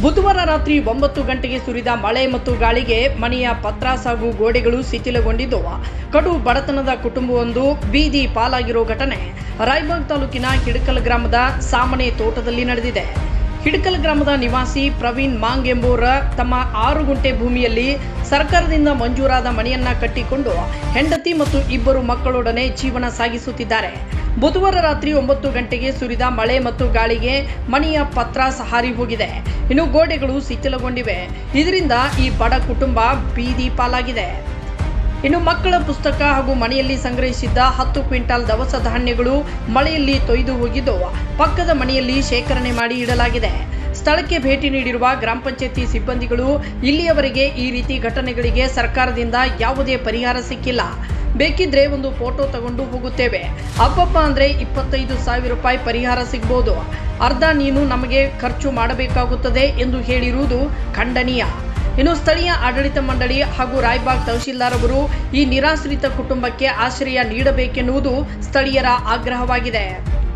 ಬುಧವಾರ ರಾತ್ರಿ 9 ಗಂಟೆಗೆ ಸುರಿದ ಮಳೆ ಮತ್ತು ಗಾಳಿಗೆ ಮನೆಯ ಪತ್ರಾಸ್ ಹಾಗೂ ಗೋಡೆಗಳು ಶಿಥಿಲಗೊಂಡಿದ್ದು ಕಡು ಬಡತನದ ಕುಟುಂಬವೊಂದು ಬೀದಿ ಪಾಲಾಗಿರೋ ಘಟನೆ ರಾಯಬಾಗ್ ತಾಲೂಕಿನ ಹಿಡಕಲ್ ಗ್ರಾಮದ ಸಾಮನೆ ತೋಟದಲ್ಲಿ ನಡೆದಿದೆ. ಹಿಡಕಲ್ ಗ್ರಾಮದ ನಿವಾಸಿ ಪ್ರವೀಣ್ ಮಾಂಗ್ ಎಂಬುವರ ತಮ್ಮ 6 ಗುಂಟೆ ಭೂಮಿಯಲ್ಲಿ ಸರ್ಕಾರದಿಂದ ಮಂಜೂರಾದ ಮನೆಯನ್ನ ಕಟ್ಟಿಕೊಂಡು ಹೆಂಡತಿ ಮತ್ತು 2 ಮಕ್ಕಳೊಡನೆ ಜೀವನ ಸಾಗಿಸುತ್ತಿದ್ದಾರೆ. ಬುಧವಾರ ರಾತ್ರಿ 9 ಗಂಟೆಗೆ ಸುರಿದ ಮಳೆ ಮತ್ತು ಗಾಳಿಗೆ ಮನೆಯ ಪತ್ರಾಸ್ ಹಾರಿ ಹೋಗಿದೆ. ಇನ್ನು ಗೋಡೆಗಳು ಶಿಥಿಲಗೊಂಡಿವೆ. ಇದರಿಂದ ಈ ಬಡ ಕುಟುಂಬ ಬೀದಿ ಪಾಲಾಗಿದೆ. ಇನ್ನು ಮಕ್ಕಳ ಪುಸ್ತಕ ಹಾಗೂ ಮನೆಯಲ್ಲಿ ಸಂಗ್ರಹಿಸಿದ್ದ 10 ಕ್ವಿಂಟಾಲ್ ದವಸ ಧಾನ್ಯಗಳು ಮಳೆಯಲ್ಲಿ ತೊಯ್ದು ಹೋಗಿದ್ದು ಪಕ್ಕದ ಮನೆಯಲ್ಲಿ ಶೇಖರಣೆ ಮಾಡಿ ಇಡಲಾಗಿದೆ. ಸ್ಥಳಕ್ಕೆ ಭೇಟಿ ನೀಡಿರುವ ಗ್ರಾಮ ಪಂಚಾಯತಿ ಸಿಬ್ಬಂದಿಗಳು ಇಲ್ಲಿಯವರೆಗೆ ಈ ರೀತಿ ಘಟನೆಗಳಿಗೆ ಸರ್ಕಾರದಿಂದ ಯಾವುದೇ ಪರಿಹಾರ ಸಿಕ್ಕಿಲ್ಲ. ಬೇಕಿದ್ರೆ ಒಂದು ಫೋಟೋ ತಗೊಂಡು ಹೋಗುತ್ತೇವೆ, ಅಬ್ಬಬ್ಬ ಅಂದ್ರೆ 25,000 ರೂಪಾಯಿ ಪರಿಹಾರ ಸಿಗಬಹುದು, ಅರ್ಧ ನೀನು ನಮಗೆ ಖರ್ಚು ಮಾಡಬೇಕಾಗುತ್ತದೆ ಎಂದು ಹೇಳಿರುವುದು ಖಂಡನೀಯ. ಇನ್ನು ಸ್ಥಳೀಯ ಆಡಳಿತ ಮಂಡಳಿ ಹಾಗೂ ರಾಯಬಾಗ್ ತಹಶೀಲ್ದಾರ್ ಅವರು ಈ ನಿರಾಶ್ರಿತ ಕುಟುಂಬಕ್ಕೆ ಆಶ್ರಯ ನೀಡಬೇಕೆನ್ನುವುದು ಸ್ಥಳೀಯರ ಆಗ್ರಹವಾಗಿದೆ.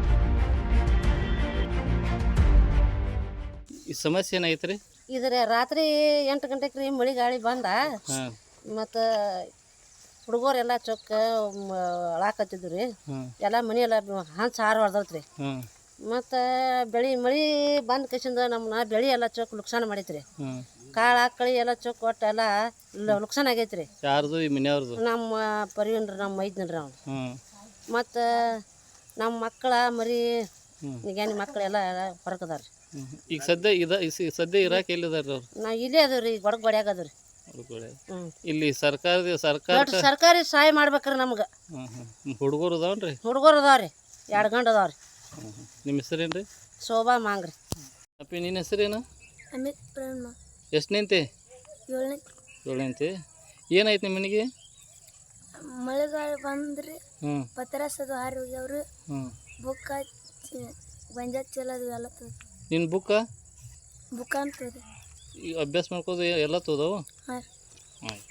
ಈ ಸಮಸ್ಯೆ ಏನಾಯ್ತು ರೀ? ಇದ್ರ ರಾತ್ರಿ 8 ಗಂಟೆಗೆ ರೀ ಮಳೆ ಗಾಳಿ ಬಂದ ಮತ್ತು ಹುಡುಗರೆಲ್ಲ ಚೊಕ್ಕ ಅಳಾಕತ್ತಿದ್ರು ರೀ. ಎಲ್ಲ ಮನೆಯೆಲ್ಲ ಹಂಚು ಹಾರು ಹೊಡೆದೈತ್ರಿ. ಮತ್ತು ಮಳೆ ಬಂದ ಕಸಿಂದ ನಮ್ಮನ್ನ ಬೆಳೆ ಎಲ್ಲ ಚೊಕ್ಕ ನುಕ್ಸಾನ ಮಾಡೈತ್ರಿ. ಕಾಳು ಆಕಳಿ ಎಲ್ಲ ಚೊಕ್ಕ ಒಟ್ಟು ಎಲ್ಲ ನುಕ್ಸಾನ ಆಗೈತ್ರಿ. ಯಾರ್ದು ಈ ಮನೆಯವ್ರದ್ದು? ನಮ್ಮ ಪರಿವನ್ರಿ, ನಮ್ಮ ಮೈದ್ನರಿ ಅವ್ನು. ಮತ್ತು ನಮ್ಮ ಮಕ್ಕಳ ಮರಿ ನಿಗಾನಿ ಮಕ್ಕಳೆಲ್ಲ ಹೊರಕದಾರ ರೀ. ಈಗ ಸದ್ಯ ಇರಾಕ್ ಎಲ್ಲಿದಾರ ಅವ್ರು? ನಾವು ಇಲ್ಲೇ ಅದಾವ ರೀ, ಗೊಡಗೋಡ್ಯಾಗ ಅದಾವ ರೀ. ಇಲ್ಲಿ ಸರ್ಕಾರಿ ಸಹಾಯ ಮಾಡ್ಬೇಕ್ರಿ ನಮ್ಗೆ. ಹುಡುಗರು ಅದಾವನ್ರಿ? ಹುಡುಗರು ಅದಾವ್ರಿ, 2 ಗಂಡು ಅದಾವ್ರಿ. ನಿಮ್ಮ ಹೆಸರೇನ್ರಿ? ಶೋಭಾ ಮಾಂಗ್ರಿ. ಅಪ್ಪಿ ನಿನ್ನ ಹೆಸರೇನು? ಅಮಿತ್ ಪ್ರೇಮ. ಎಷ್ಟನೇಂತೆ? 7ನೇಂತೆ. ಏನಾಯ್ತು ನಿಮ್ಮ ಮನೆಗೆ? ಮಳೆಗಾಲ ಬಂದ್ರಿ, ಪತ್ರಾಸದು ಹಾರಿ ಹೋಗ್ಯಾವ್ರಿ. ಬುಕ್ಕ ಗೊಂಜಾಳ ಚಲೋದು ಎಲ್ಲ ತೋದ. ನಿನ್ನ ಬುಕ್ಕ ಅಂತದ ಈಗ ಅಭ್ಯಾಸ ಮಾಡ್ಕೋದು ಎಲ್ಲ ತೋದವು? ಹಾಂ. ಆಯ್ತು.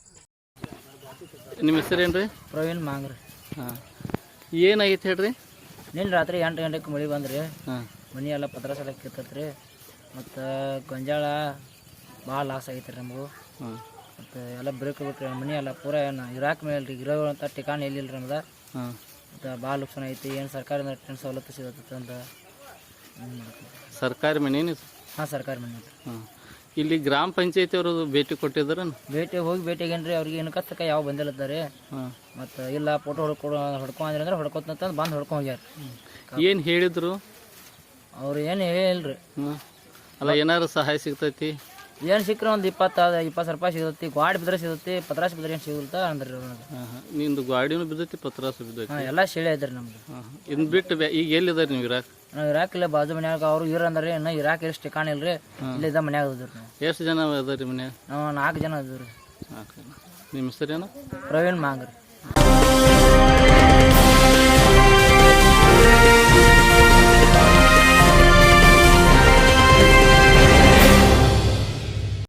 ನಿಮ್ಮ ಹೆಸರೇನ್ರಿ? ಪ್ರವೀಣ್ ಮಾಂಗ್ರಿ. ಹಾಂ. ಏನಾಗಿತ್ತು ಹೇಳ್ರಿ? ನಿನ್ನೆ ರಾತ್ರಿ 8 ಗಂಟೆಗೆ ಮಳೆ ಬಂದ್ರಿ. ಮನೆ ಎಲ್ಲ ಪತ್ರಾಸ ಎಲ್ಲ ಕಿತ್ತತ್ರಿ. ಮತ್ತು ಗೊಂಜಾಳ ಭಾಳ ಲಾಸ್ ಆಗೈತೆ ರೀ ನಮಗೂ. ಮತ್ತು ಎಲ್ಲ ಬ್ರೇಕ್ ಮನೆ ಎಲ್ಲ ಪೂರ ಏನು ಇರಾಕ್ ಮೇಲೆ ರೀ, ಇರೋಂಥ ಠಿಕಾಣಿ ಎಲ್ಲಿಲ್ಲ ರೀ ನಮ್ದು. ಮತ್ತು ಭಾಳ ನುಕ್ಸಾನ ಐತಿ. ಏನು ಸರ್ಕಾರದಿಂದ ಟೆಂಟ್ ಸವಲತ್ತು ಸಿಗತ್ತೆ ಅಂತ. ಸರ್ಕಾರಿ ಮನೆ? ಹಾಂ, ಸರ್ಕಾರಿ ಮನೆ. ಹಾಂ. ಇಲ್ಲಿ ಗ್ರಾಮ ಪಂಚಾಯತಿ ಅವರು ಭೇಟಿ ಕೊಟ್ಟಿದ್ರ? ಭೇಟಿಗೇನ್ರಿ ಅವ್ರಿಗೆ ಏನು ಕತ್ತಕ ಯಾವ ಬಂದಿಲ್ಲತ್ತಾರೆ. ಮತ್ತು ಇಲ್ಲ ಫೋಟೋ ಹೊಡ್ಕೊಂಡ್ರಿ ಅಂದ್ರೆ ಹೊಡ್ಕೊತಂತ ಬಂದು ಹೊಡ್ಕೊಂಡು ಹೋಗ್ಯಾರ. ಏನು ಹೇಳಿದ್ರು ಅವ್ರು? ಏನು ಹೇಳಿಲ್ರಿ. ಅಲ್ಲ, ಏನಾದ್ರು ಸಹಾಯ ಸಿಗ್ತೈತಿ? ಏನು ಸಿಕ್ಕರೆ ಒಂದು 20 ರೂಪಾಯಿ ಸಿಗತ್ತಿ. ಗಾಡಿ ಬಿದ್ರೆ ಸಿಗತ್ತಿ, ಪತ್ರಾಸ ಬಿದ್ರೆ ಏನು ಸಿಗುತ್ತ ಅಂದ್ರಿ. ನಿಂದು ಗಾಡಿನೂ ಬಿದ್ದೈತಿ, ಪತ್ರಾಸ ಬಿದ್ದೈತಿ? ಹಾಂ, ಎಲ್ಲ ಶೇಳೆ ಐತ್ರಿ ನಮ್ದು. ಇನ್ನು ಬಿಟ್ಟು ಈಗ ಎಲ್ಲಿದ್ದಾರೆ ನೀವು? ಇರಾಕ್? ನಾವು ಇರಾಕ್ ಇಲ್ಲ, ಬಾಜು ಮನ್ಯಾಗ ಅವ್ರು ಇವ್ರು ಅಂದ್ರೆ ಇನ್ನು ಇರಾಕ್ ಎಷ್ಟು ಠಿಕಾಣ ಇಲ್ರಿ, ಇಲ್ಲಿದ್ದ ಮನ್ಯಾಗ ಅದ್ರಿ. ನಾವು ಎಷ್ಟು ಜನ ಅದಾರಿ ಮನ್ಯಾಗ? ನಾವು 4 ಜನ ಅದ್ರಿ. ನಿಮ್ಮ ಹೆಸರೇನು? ಪ್ರವೀಣ್ ಮಾಂಗ್ರಿ.